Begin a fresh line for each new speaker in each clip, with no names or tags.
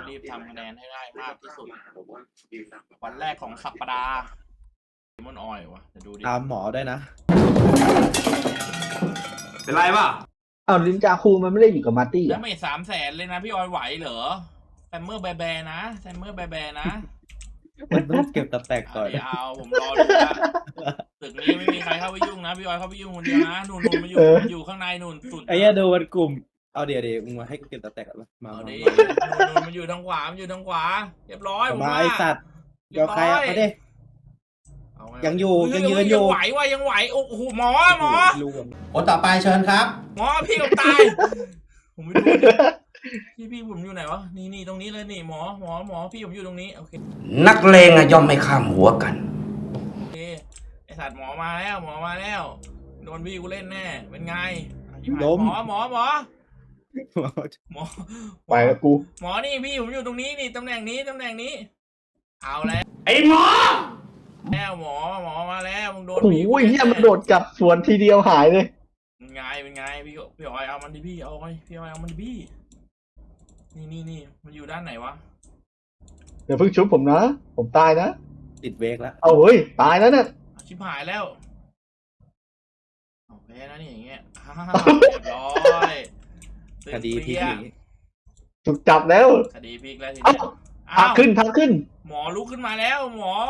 รีบทำคะแนนให้ได้มากที่สุดวันแรกของสัปดาห์มอนออยวะจะดูดิ
ตามหมอได้นะ
เป็นไรป่ะ
อ้าวลินจาคูมันไม่ได้อยู่กับมาร์ตี้
แล้ว
อ่ะ
ไม่300,000เลยนะพี่ออยไหวเหรอแซมเมอร์แบร์นะแซมเมอร์แบร์นะ
มันต้องเก็บตะแตกก่อน
เอาผมรอดูนะตึกนี้ไม่มีใครเข้าไปยุ่งนะพี่ออยเข้าไปยุ่งคนเดียวนะนุ่นมาอยู่ข้างในนุ่นสุด
ไอ้เนี่ยดูมันกลุ่มเอาเดี๋ยวมึงมาให้กูเก็บตะแตกก่อนมา
เอาดินุ่นมันอยู่ทางขวามันอยู่ทางขวาเรียบร้อยผม
มา
ว่า
ไอสัตว์เดี๋ยวใครอ่ะมาดิยังอยู่ยังยืนอยู่
ยังไหวว่ะยังไหวโอ้โหหมอ
คนต่อไปเชิญครับ
หมอพี่ผมตายผมไม่ดูพี่ผมอยู่ไหนวะนี่ตรงนี้เลยนี่หมอพี่ผมอยู่ตรงนี้โอเค
นักเลงอะย่อมไม่ข้ามหัวกัน
โอเคไอสัตว์หมอมาแล้วโดนพี่กูเล่นแน่เป็นไง
ล้ม
หมอ
ไปแล้วกู
หมอนี่พี่ผมอยู่ตรงนี้นี่ตำแหน่งนี้เอาแล้ว
ไอ้หมอ
แล้วหมอมาแล้วมึงโดน
โอ้ยเนี่ยมันโดดจับสวนทีเดียวหายเลย
เป็นไงพี่ออยเอามันดิพี่เอาไงพี่ออยเอามันดิพี่นี่มันอยู่ด้านไหนวะ
เดี๋ยวเพิ่งชุบผมนะผมตายนะ
ติดเวกแล้ว
เอาเฮ้ยตายแล้วเนี่ย
ชิบหายแล้วโอเคนะนี่อย่างเงี้ยเรียบร้อย
คดีพลิก
ถูกจับแล้ว
คดีพลิกแล้วที
นี้พักขึ้น
หมอลุกขึ้นมาแล้วหมอ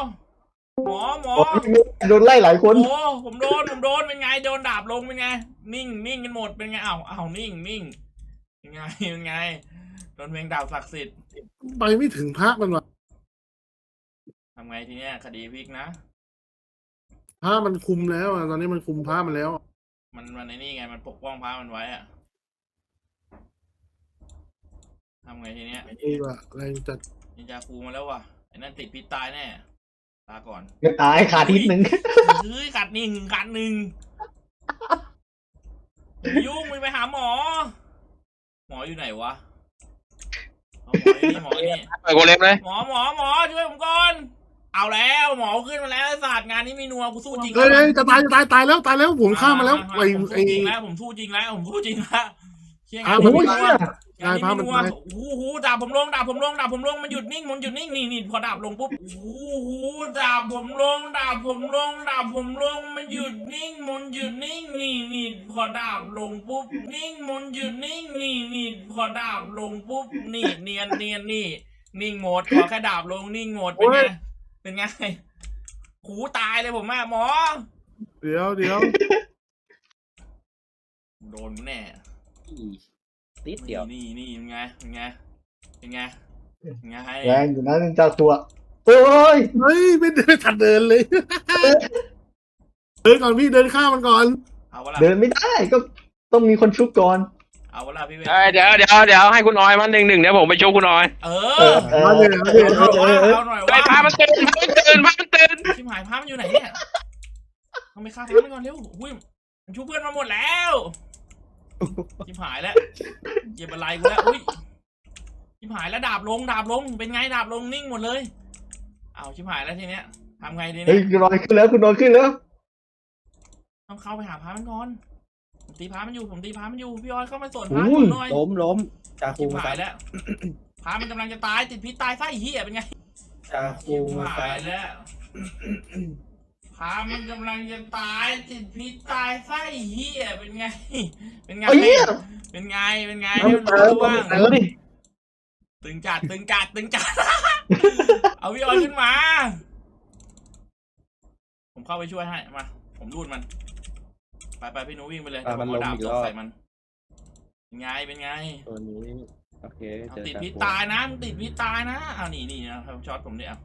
โดนไล่หลายคน
โอ้ผมโดนเป็นไงโดนดาบลงเป็นไงนิ่งกันหมดเป็นไงอ้าวนิ่งเป็นไงโดนเพลงดาบศักดิ์สิทธิ์
ไปไม่ถึงพระมันวะ
ทำไงทีเนี้ยคดีพลิกนะ
พระมันคุมแล้วตอนนี้มันคุมพระมันแล้ว
มันในนี่ไงมันปกป้องพระมันไว้อะทำไงทีเนี้ย
อะไรจัด
นินจาคูมาแล้วว่ะไอ้นั่นติดพิษตายแน่ลาก่อน
จะตายขาดนิดนึง
ขาดหนึ่งยุ่งไปหาหมออยู่ไหนวะหมอนี่
ไปโกเลมเลย
หมอช่วยผมก่อนเอาแล้วหมอขึ้นมาแล้วศาสตร์งานนี้มีนัวกูสู้จริง
จะตายแล้วผมฆ่ามาแล้ว
ไอ้จริงแล้วผมสู้จริงแล้วเชี่ยงาน
นายพามัน
ดาบผมลงมันหยุดนิ่งนี่พอดาบลงปุ๊บดาบผมลงมันหยุดนิ่งนี่พอดาบลงปุ๊บนิ่งมันหยุดนิ่งนี่พอดาบลงปุ๊บนี่เนียนนี่นิ่งหมดพอแค่ดาบลงนิ่งหมดเป็นไงหูตายเลยผมหมอ
เดี๋ยว
โดนแน่
นิดเดียว
นี่เป็นไง
แรงอยู่นะเจ้าตัวโอ้ย
ไม่ทันเดินเลยเดินก่อนพี่เดินข้ามมันก่อน
เดินไม่ได้ก็ต้องมีคนชุบก่อน
เอาเวลาพี่
เดี๋ยวให้คุณออยมัน1-1เดี๋ยวผมไปชุบคุณออย
มาเลยเอาหน่อย
ว่าพามันตื่น
ชิมหายพามันอยู่ไหนเนี่ยต้องไปฆ่าพามันก่อนเร็วหุ้ยมันชุบเพื่อนมาหมดแล้วชิมหายแล้วเจ็บอะไรกูแล้วอุ้ยชิมหายแล้วดาบลงเป็นไงดาบลงนิ่งหมดเลยเอาชิมหายแล้วทีเนี้ยทำไงดีเนี่ย
คุณนอนขึ้นแล้ว
ต้องเข้าไปหาพามันก่อนผมตีพามันอยู่พี่ออยเข้ามาสวนพามันหน่อย
ล้มจาคู
หายแล้วพามันกำลังจะตายติดพิษตายไส้เหี้ยเป็นไง
จาคู
หายแล้วพามันกำลังจะตายติดพิษตายไส้เหี้ยเป็นไงเป็นไงรู้บ้างตึงจัดเอาพี่ออยขึ้นมาผมเข้าไปช่วยให้มาผมรูดมันไปพี่นุ้วิ่งไปเลย
มันลงอีกรอบ
ใส่มันเป็นไง
ตัวนี้โอเค
ติดพิษตายนะมึงติดพิษตายนะเอานี่นะครับช็อตผมเนี่ย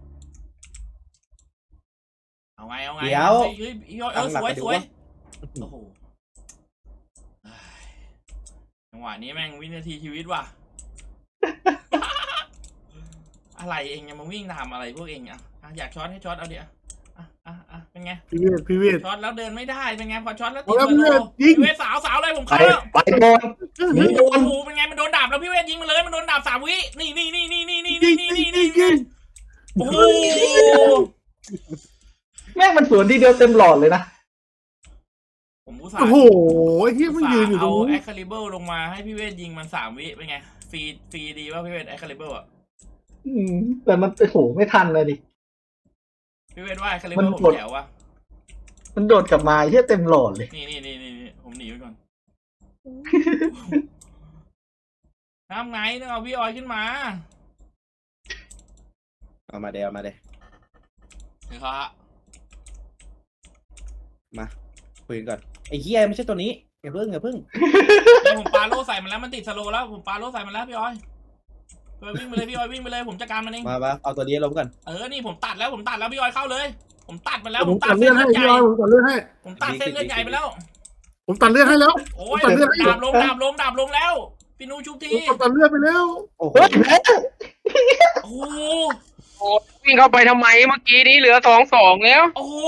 เอาไง
เดี๋ยว
สวยโอ้โหจังหวะนี้แม่งวินาทีชีวิตว่ะอะไรเองยังมาวิ่งทำอะไรพวกเองอยากช็อตให้ช็อตเอาเดี๋ยวเป็นไง
พี่เวท
ช็อตแล้วเดินไม่ได้เป็นไงพอช็อตแล้วติดพี่เวทสาวเลยผมเข้า
ไปโดน
เป็นไงมันโดนดาบแล้วพี่เวทยิงมาเลยมันโดนดาบ3 วินี่โอ้โห
แม่งมันสวนทีเดียวเต็มหลอดเลยนะ
ผมอุตส่าห์
โอ้โหที่มันยืนอยู่ตรง
นู้นเอาแอคคาลิเบอร์ลงมาให้พี่เวทยิงมัน3 วิเป็นไงฟรีดีว่าพี่เวทแอคคาลิเบอร์
แต่มันโอ้โหไม่ทันเลยดิ
พี่เวทว่าคาลิเบ
มั
อน ร์ผม
กด
แจ๋ววะ
มันโดดกลับมาเฮียเต็มหลอดเลย
นี่ผมหนีไปก่อนทำไงต้องเอาพี่ออยขึ้นมา
เอามาเดี๋ยวเอามาเดี๋ยว
เฮ้ยครับ
มาคุยกันก่อนไอ้เฮียไม่ใช่ตัวนี้อย่าเพิ่ง
นี่ผมปาโล่ใส่มันแล้วมันติดสโลว์แล้วผมปาโล่ใส่มันแล้วพี่ออยพี่ออยวิ่งไปเลยพี่ออยวิ่งไปเลยผมจัดการมันเอง
มาเอาตัวนี้ลงก่อน
นี่ผมตัดแล้วพี่ออยเข้าเลย ผมตัดมันแล้ว
ผมตัดเลือดให้พี่ออยผมตัดเลือดให้
ผมตัดเส้นเลือดใหญ่ไปแล้ว
ผมตัดเลือดให้แล้ว
โอ้ย
ตัดเลือดให้
ดาบลงแล้วพี่นูชุบที
ผมตัดเลือดไปแล้ว
โอ้โห
เฮ้ยแพ้
โอ้โห
โอ้วิ่งเข้าไปทำไมเมื่อกี้นี้เหลือ2-2แล้ว
โอ้โห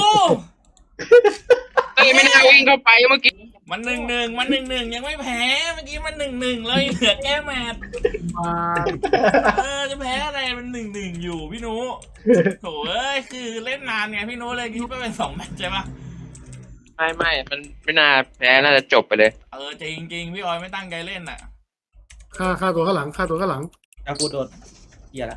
เอ้ยไม่น่าวิ่งเข้าไปเมื่อกี้
มัน1-1ยังไม่แพ้เมื่อกี้มัน1-1เลยเหลือแก้แมตช์
มา
จะแพ้อะไรมัน1-1อยู่พี่นูโถ่เอ้ยคือเล่นนานไงพี่นูเลยคิดว่าเป็น2 แมตช์ใช่ปะ
ไม่มันไม่น่าแพ้น่าจะจบไปเลย
จริงพี่ออยไม่ตั้งใจเล่นน่ะ
ฆ่าตัวข้างหลังฆ่าตัวข้างหลัง
เอากูโดนเฮียละ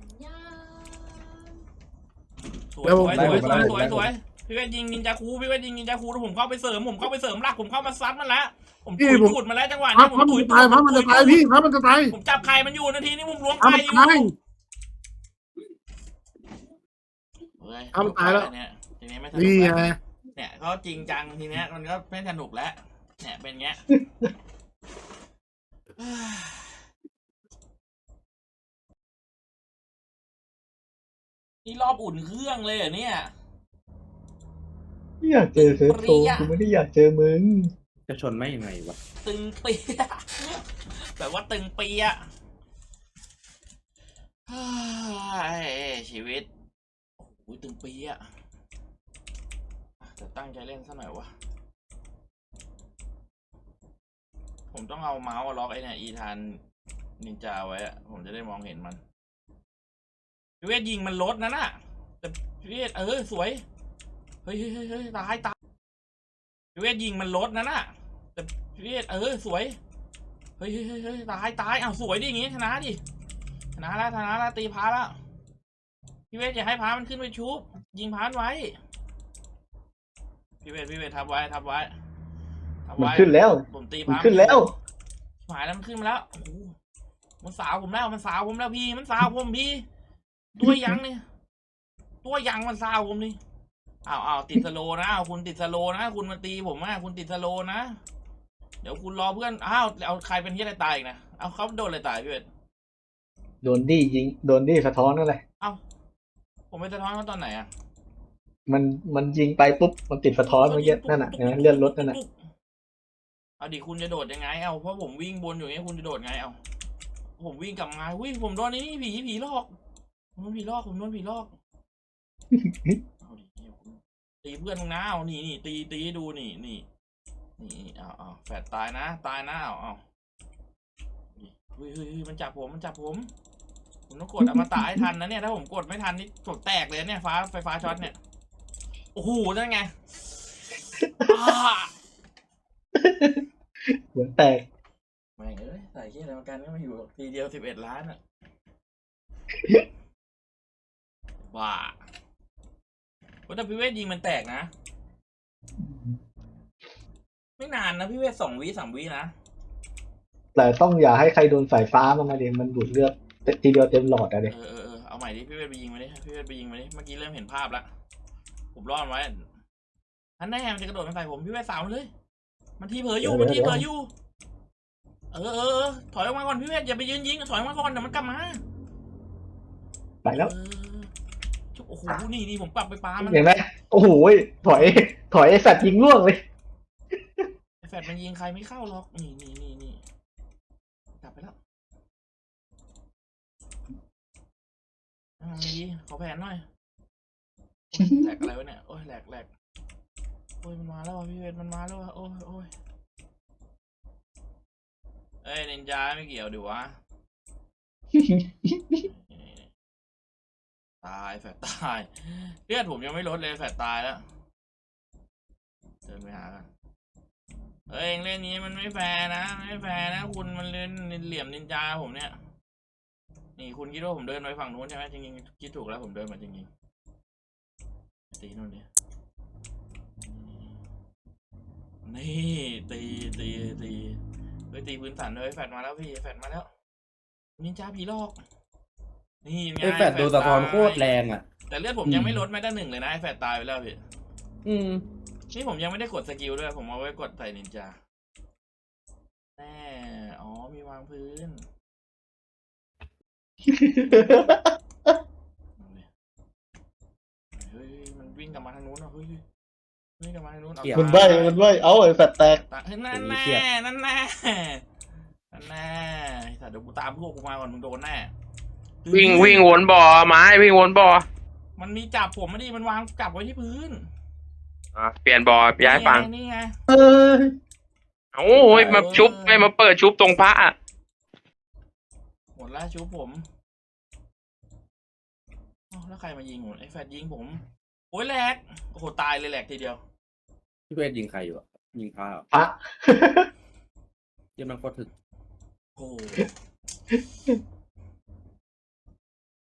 สว
แล้
ยว
ผม
พี่เวทยิงนินจาคูแล้วผมเข้าไปเสริมหลักผมเข้ามาซัดมันแล้วผมถุดมาแล้วจังหวะ
พั
นี้
บมันจะตายพับมันจะตายพี่พับมันจะตาย
ผมจับไข่มันอยู่นาทีนี้ผมล้วง
พับ
ไข่
มัน
อยู่
ตาย
เฮ้ย
เอามันตายแล้ว
เนี่ยทีนี้ไม่สนุก
นี่
แล้ว
ไง
เนี่ยเขาจริงจังทีเนี้ยมันก็ไม่สนุกแล้วเนี่ยเป็นเงี้ย นี่รอบอุ่นเครื่องเลยเหรอเนี่ย
อยากเจอเซิร์ฟโชว์กูไม่ได้อยากเจอมึง
จะชนไม่ยังไงวะ
ตึงเปียะแบบว่าตึงเปียะเฮ้ยชีวิตโอ้ยตึงเปียะจะตั้งใจเล่นซะหน่อยวะผมต้องเอาเมาส์ล็อกไอ้เนี่ยอีธานนินจาไว้อะผมจะได้มองเห็นมันพี่เวทยิงมันลดนะน่ะแต่พี่เวทสวยเฮ้ยตายพี่เวทยิงมันลดนะน่ะแต่พี่เวทสวยเฮ้ยตายสวยดิอย่างงี้ชนะดิชนะแล้วตีพาแล้วพี่เวทอย่าให้พามันขึ้นไปชุบยิงพานไว้พี่เวททับไว้
มันขึ้นแล้ว
ผมตี
มัน
พา
ขึ้นแล้ว
หายแล้วมันขึ้นมาแล้วโอ้โหมันสาวผมแล้วพี่มันสาวผมพี่ตัวยังเนี่ยตัวยังมันสาวผมนี่เอาติดสโลนะคุณติดสโลนะคุณมาตีผมคุณติดสโลนะเดี๋ยวคุณรอเพื่อนเอาใครเป็นที่อะไรตายอีกนะเอาเขาโดนอะไรตายพี่เวท
โดนดี้ยิงโดนดี้สะท้อนนั่นแหละ
ผมไปสะท้อนเขาตอนไหน
มันยิงไปปุ๊บมันติดสะท้อนเมื่อกี้นั่นน่ะเลื่อนรถนั่นน่ะ
เอาดิคุณจะโดดยังไงเพราะผมวิ่งบนอยู่เนี้ยคุณจะโดดไงผมวิ่งกลับมาผมโดนนี่ผีหลอกผมโดนผีหลอกเอาดิตีเพื่อนมึงนะนี่ตีให้ดูนี่เอาแฝดตายนะเอาเฮ้ยมันจับผมผมต้องกดอมตะให้ทันนะเนี่ยถ้าผมกดไม่ทันนี่กดแตกเลยเนี่ยไฟฟ้าช็อตเนี่ยโอ้โหนั่นไง
หัวแตก
ไม่ใส่เชี่ยอะไรมากันก็มาอยู่ทีเดียว11 ล้านอ่ะว้าแต่พี่เวทยิงมันแตกนะไม่นานนะพี่เวท2 วิ3 วินะ
แต่ต้องอย่าให้ใครโดนสายฟ้ามาเดี๋ยวมันดูดเลือดทีเดียวเต็มหลอดอะเดี๋ยว
เอาใหม่ดิพี่เวทไปยิงมาดิเมื่อกี้เริ่มเห็นภาพแล้วผมรอดไว้ท่านแน่มันจะกระโดดมาใส่ผมพี่เวทสาวเลยมันทีเผลออยู่ถอยออกมาก่อนพี่เวทอย่าไปยืนยิงถอยออกมาก่อนเดี๋ยวมันกลับมา
ไปแล้ว
โอ้โหนี่ผมปรับไปปามัน
เห็นไหมโอ้โหถอยไอ้สัตว์ยิงล่วงเลย
แฟดมันยิงใครไม่เข้าหรอกนี่กลับไปแล้วดีขอแผนหน่อยแหลกอะไรวะเนี่ยโอ้ยแหลกโอ้ยมันมาแล้วพี่เวทมันมาแล้วโอ้ยนินจาไม่เกี่ยวดิวะตายแฟดตายเลือดผมยังไม่ลดเลยแฟดตายแล้วเดินไปหากันเองเล่นนี้มันไม่แฟร์นะคุณมันเล่นเหลี่ยมนินจาผมเนี่ยนี่คุณคิดว่าผมเดินไปฝั่งนู้นใช่ไหมจริงๆคิดถูกแล้วผมเดินมาจริงๆตีนู่นดินี่ตีเฮ้ยตีพื้นสันเลยแฟดมาแล้วพี่แฟดมาแล้วนินจาผีหลอกนี่ไง
ไอ้แฟดโดนสะท้อนโคตรแรงอ่ะ
แต่เลือดผมยังไม่ลดแม้แต่1เลยนะไอ้แฟดตายไปแล้วพี่
ม
นี่ผมยังไม่ได้กดสกิลด้วยผมเอาไว้กดใส่นินจาแน่อ๋อมีวางพื้นเฮ้ยมันวิ่งกลับมาทางนู้นอ่ะเฮ้ยวิ่งกลับมาทางนู้น
มันใบ้เอาไอ้แฟดแตก
เฮ้ยนั่นแน่นั่นแน่นั่นแน่แต่เดี๋ยวกูตามพวกกูมาก่อนมึงโดนแน่
วิ่งวนบ่อไม้วิ่งวนบ่อ
มันมีจับผมไม่ดีมันวางจับไว้ที่พื้น
เปลี่ยนบ่อย้ายฝั่ง
นี่ไง
เออ
โอ้ยมาชุบไม่มาเปิดชุบตรงพระอะ
หมดแล้วชูผมอ้าวแล้วใครมายิงผมไอ้แฟดยิงผมโอ้ยแหลกโอ้โหตายเลยแหลกทีเดียว
พี่เวทยิงใครอยู่อ่ะยิงพระเหรอ
พระ
เยี่ยมมันโคตรถึก
โอ้โห